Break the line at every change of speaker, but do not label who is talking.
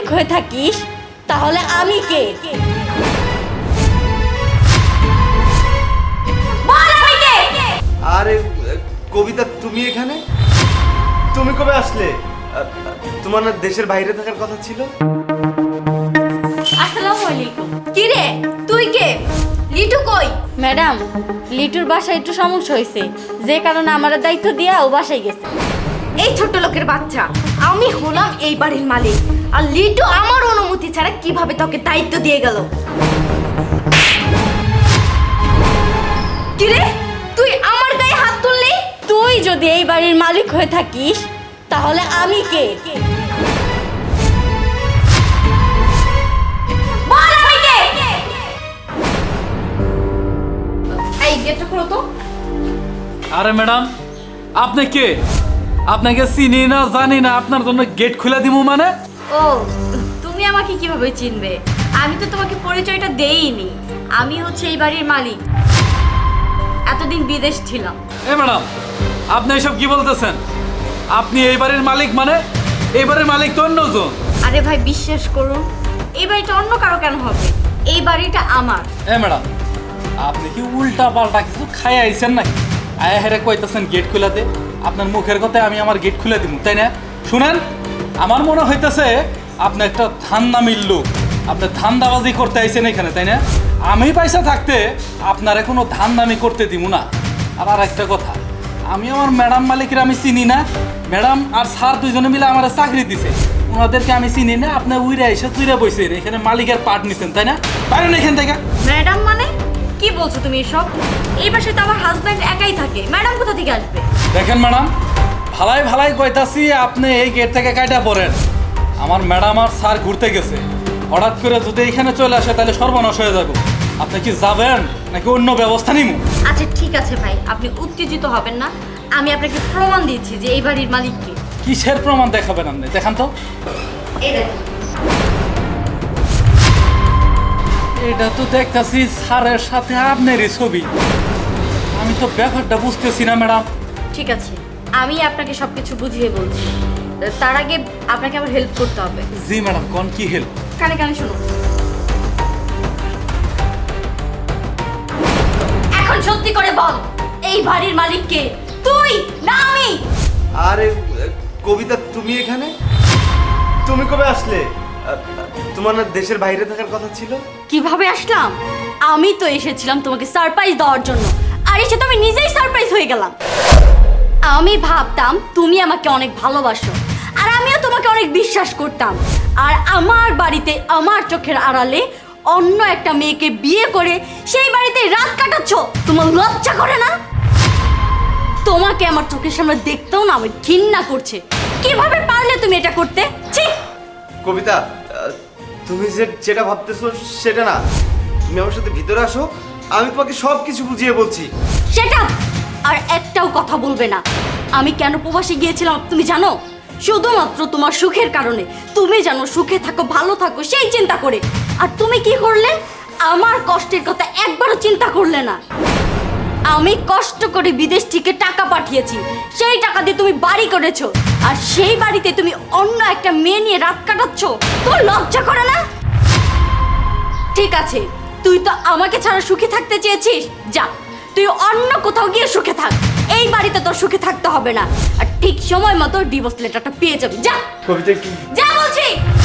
হয়ে থাকিস তাহলে আমি কে? বল আমি কে?
আরে কবিতা, তুমি এখানে? তুমি কবে আসলে? তোমার না দেশের বাইরে থাকার কথা ছিল?
আসসালামু আলাইকুম। কি রে, তুই কে? লিটু কই? ম্যাডাম, লিটুর বাসায় একটু সমস্যা হয়েছে, যে কারণে আমার দায়িত্ব দিয়া ও বাসায় গেছে।
এই ছোট্ট লোকের বাচ্চা, আমি হলাম এই বাড়ির মালিক, আর লিটু আমার অনুমতি ছাড়া কিভাবে তোকে দায়িত্ব দিয়ে গেল? কিরে, তুই আমার গায়ে হাত তুললি?
তুই যদি এই বাড়ির মালিক হয়ে থাকিস তাহলে আমি কে?
বল আমি কে? এই গেটটা খোলো তো।
আরে ম্যাডাম, আপনি কে? আপনাকে চিনি না জানি না, আপনার জন্য গেট খুলে দিব মানে?
ও, তুমি আমাকে কিভাবে চিনবে? আমি তো তোমাকে পরিচয়টা দেইনি। আমি হচ্ছে এই বাড়ির মালিক, এতদিন বিদেশ ছিলাম।
এ ম্যাডাম, আপনি এসব কি বলতেছেন? আপনি এই বাড়ির মালিক মানে? এই বাড়ির মালিক তো অন্যজন।
আরে ভাই, বিশ্বাস করুন, এই বাড়িটা অন্য কারো কেন হবে? এই বাড়িটা আমার।
এ ম্যাডাম, আপনি কি উল্টা পাল্টা কিছু খাই আইছেন নাকি? আয়া হেরে কইতেছেন গেট খুলে দে। আপনার মুখের কথায় আমি আমার গেট খুলে দিব, তাই না? শুনেন, আমার মনে হইতেছে আপনি একটা ধান্দামির লোক। আপনি ধান্দাবাজি করতে আইছেন এখানে, তাই না? আমি পয়সা থাকতে আপনারে কোনো ধান্দামি করতে দিব না। আর একটা কথা, আমি আমার ম্যাডাম মালিকের আমি চিনি না। ম্যাডাম আর স্যার দুইজনে মিলে আমার চাকরি দিছে, ওনাদেরকে আমি চিনি না। আপনি উইরা এসে তুইরা বইছেন এখানে, মালিকের পার্ট নিছেন, তাই না? পারেন এখান থেকে।
ম্যাডাম মানে কি বলছো তুমি এসব? এই বাসায় তো আমার হাজব্যান্ড একাই থাকে, ম্যাডাম কোথা থেকে আসবে?
দেখেন ম্যাডাম, ভালাই ভালাই কইতাছি, আপনি এই গেট থেকে কাইটা পড়েন। আমার ম্যাডাম আর স্যার ঘুরতে গেছে, হঠাৎ করে যদি এখানে চলে আসে তাহলে সর্বনাশ হয়ে যাবে। আপনি কি যাবেন নাকি অন্য ব্যবস্থা নিব?
আচ্ছা ঠিক আছে ভাই, আপনি উত্তেজিত হবেন না। আমি আপনাকে প্রমাণ দিচ্ছি যে এই বাড়ির মালিক কে।
কিসের প্রমাণ দেখাবেন আপনি? দেখান তো।
এই দেখুন।
এটা তো দেখতাছি স্যারের সাথে আপনারই ছবি। আমি তো ব্যাপারটা বুঝতেছি না ম্যাডাম।
ঠিক আছে, আমি আপনাকে সবকিছু বুঝিয়ে বলছি। তার আগে আপনাকে আমার হেল্প করতে হবে।
জি ম্যাডাম, কোন কি হেল্প?
কানে কানে শুনুন। এখন সত্যি করে বল, এই বাড়ির মালিক কে? তুই না আমি?
আরে কবিতা, তুমি এখানে? তুমি কবে আসলে? তোমার না দেশের বাইরে থাকার কথা ছিল?
কিভাবে আসলাম? আমি তো এসেছিলাম তোমাকে সারপ্রাইজ দেওয়ার জন্য, আর এসে তো আমি নিজেই সারপ্রাইজ হয়ে গেলাম। আমি ভাবতাম তুমি আমাকে অনেক ভালোবাসো, আর আমিও তোমাকে অনেক বিশ্বাস করতাম। আর আমার বাড়িতে আমার চোখের আড়ালে অন্য একটা মেয়েকে বিয়ে করে সেই বাড়িতে রাত কাটাচ্ছ, তোমার লজ্জা করে না? তোমাকে আমার চোখের সামনে দেখতেও না আমি ঘৃণা করছে। কিভাবে পারলে তুমি এটা করতে? ছি!
কবিতা, তুমি যেটা ভাবতেছো সেটা না। তুমি আমার সাথে ভিতরে আসো, আমি তোমাকে সব কিছু বুঝিয়ে বলছি।
সেটা আর একটাও কথা বলবে না। আমি কেন প্রবাসে গিয়েছিলাম তুমি জানো? শুধুমাত্র তোমার সুখের কারণে। তুমি জানো সুখে থাকো, ভালো থাকো, সেই চিন্তা করে। আর তুমি কি করলে? আমার কষ্টের কথা একবারও চিন্তা করলে না। আমি কষ্ট করে বিদেশ থেকে টাকা পাঠিয়েছি, সেই টাকা দিয়ে তুমি বাড়ি করেছো, আর সেই বাড়িতে তুমি অন্য একটা মেয়ে নিয়ে রাত কাটাচ্ছ। তোর লজ্জা করে না? ঠিক আছে, তুই তো আমাকে ছাড়া সুখে থাকতে চেয়েছিস, যা তুই অন্য কোথাও গিয়ে সুখে থাক। এই বাড়িতে তোর সুখে থাকতে হবে না। আর ঠিক সময় মতো ডিভোর্স লেটারটা পেয়ে যাবি। যা
কবিতা কি?
যা বলছি।